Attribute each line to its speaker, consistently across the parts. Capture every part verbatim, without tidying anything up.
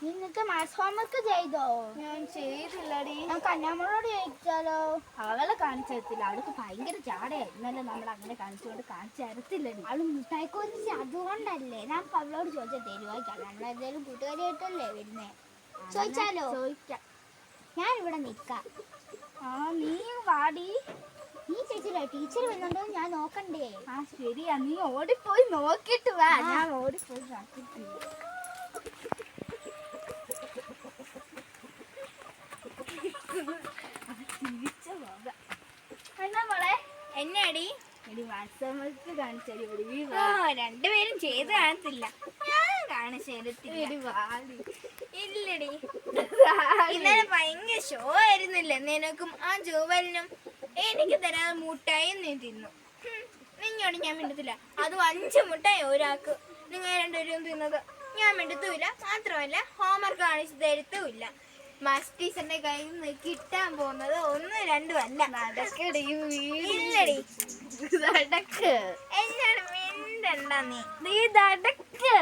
Speaker 1: നിനക്ക് maths homework ചെയ്തോ?
Speaker 2: ഞാൻ ചെയ്തില്ലടി.
Speaker 1: ഞാൻ കന്യാമോളോട് ചോദിച്ചാലോ?
Speaker 2: അവളെ കാണിച്ചു തരത്തില്ല, അവൾക്ക് ഭയങ്കര ജാടയാ. ഇന്നലെ നമ്മൾ അങ്ങനെ കാണിച്ചുകൊണ്ട് കാണിച്ചു തരത്തില്ലടി.
Speaker 1: അവള് മുട്ടായി കുറിച്ച് അതുകൊണ്ടല്ലേ ഞാൻ അവളോട് ചോദിച്ചാൽ തരുവായിക്കാം. നമ്മളെന്തായാലും കൂട്ടുകാരിയായിട്ടല്ലേ വരുന്നേ. ചോദിച്ചാലോ?
Speaker 2: ചോദിക്കാം.
Speaker 1: ഞാൻ ഇവിടെ നിക്കാം.
Speaker 2: ആ നീ വാടി.
Speaker 1: നീ ചേച്ചിയില്ല, ടീച്ചർ വരുന്നുണ്ടോ ഞാൻ നോക്കണ്ടേ?
Speaker 2: ആ ശരിയാ, നീ ഓടിപ്പോയി നോക്കിട്ട് വാ. ഞാൻ ഓടിപ്പോയി നോക്കിട്ട് എന്നാ മോളെ
Speaker 1: എന്നാടി
Speaker 2: എടി വാട്സാപ്പ് കാണിച്ചടി.
Speaker 1: രണ്ടുപേരും ചെയ്ത് കാണത്തില്ല, ഞാൻ കാണിച്ചു തരത്തില്ല. ഇല്ലടി, ഇന്നലെ ഭയങ്കര ഷോ ആയിരുന്നില്ലേ നിനക്കും ആ ജോവലിനും. എനിക്ക് തരാതെ മുട്ടായി നീ തിന്നു. നിന്നോട് ഞാൻ മിണ്ടത്തില്ല. അതും അഞ്ച് മുട്ടായി ഒരാൾക്ക്. നിങ്ങൾ രണ്ടുപേരും തിന്നത് ഞാൻ മിണ്ടത്തുമില്ല. മാത്രമല്ല ഹോംവർക്ക് കാണിച്ചു തരത്തുമില്ല. മാത്സ് ടീച്ചറിന്റെ കയ്യിൽ നിന്ന് കിട്ടാൻ പോകുന്നത് ഒന്ന് രണ്ടും അല്ല. ഇല്ലടി, എന്നോട് മിണ്ടണ്ട നീ.
Speaker 2: നീ നടക്ക്,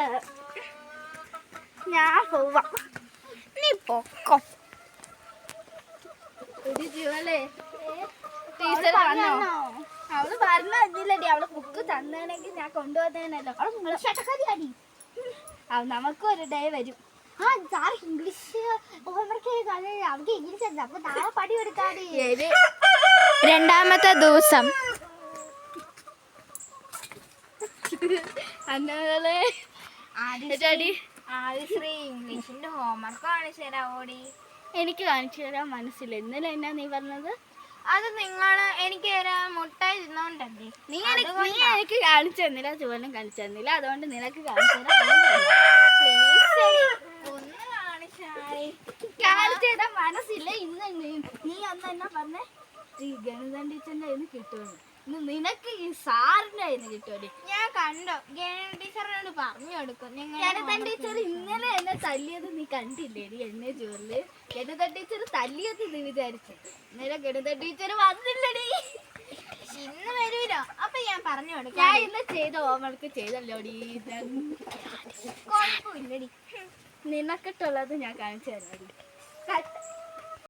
Speaker 2: ഞാൻ പോവാ.
Speaker 1: നീ പൊക്കോ.
Speaker 2: ഒരു ജീവല്ലേ ടീച്ചർ വന്നോ? അവള് പറഞ്ഞു തന്നില്ലടി. അവള് ബുക്ക് തന്നേണെങ്കിൽ ഞാൻ കൊണ്ടുവന്നേനല്ലോ. നമുക്കും ഒരു ഡേ വരും.
Speaker 1: ആ സാർ ഇംഗ്ലീഷ് ഹോംവർക്ക് അവർക്ക് ഇംഗ്ലീഷ് ഉണ്ട്. അപ്പൊ നാളെ പടി കൊടുക്കാടി. രണ്ടാമത്തെ ദിവസം
Speaker 2: അന്നേ
Speaker 1: ആദിശ്രീ ഇംഗ്ലീഷിന്റെ ഹോംവർക്ക് കാണിച്ചു തരാ ഓടി.
Speaker 2: എനിക്ക് കാണിച്ചു തരാൻ മനസ്സില്ല. ഇന്നലെ എന്നാ നീ പറഞ്ഞത്?
Speaker 1: അത് നിങ്ങള് എനിക്ക് മുട്ടായി തിന്നോണ്ടല്ലേ.
Speaker 2: നീ നീ എനിക്ക് കാണിച്ചു തന്നില്ല, ചുവനും കാണിച്ചു തന്നില്ല. അതുകൊണ്ട് നിനക്ക് കാണിച്ചു തരാൻ
Speaker 1: ഒന്ന് കാണിച്ചായി.
Speaker 2: കാണിച്ചു തരാൻ മനസ്സില്ല. ഇന്ന് നീ അന്ന് എന്നാ പറഞ്ഞേ? ഈ ഗണിതം ടീച്ചറിന്റെ കയ്യിൽ നിന്ന് കിട്ടുമെന്ന്. ഇന്ന് നിനക്ക് ഈ സാറിന്റെ കയ്യിൽ നിന്ന് കിട്ടുമല്ലേ?
Speaker 1: ഞാൻ കണ്ടോ, ഗണിത ടീച്ചറിനോട് പറഞ്ഞു കൊടുക്കും.
Speaker 2: ഗണിതം ടീച്ചർ ഇന്നലെ എന്നെ തല്ലിയത് നീ കണ്ടില്ലേടി? എന്നെ ജോലില് ഗണിത ടീച്ചർ തല്ലിയത് നീ വിചാരിച്ചു. ഇന്നലെ ഗണിത ടീച്ചർ വന്നില്ലടി.
Speaker 1: ഇന്ന് വരൂലോ, അപ്പൊ ഞാൻ പറഞ്ഞു കൊടുക്കാം.
Speaker 2: ഞാൻ ഇന്ന് ചെയ്ത ഹോംവർക്ക് ചെയ്തല്ലോടി.
Speaker 1: കുഴപ്പമില്ലടി,
Speaker 2: നിനക്കിട്ടുള്ളത് ഞാൻ കാണിച്ചു തരാടി.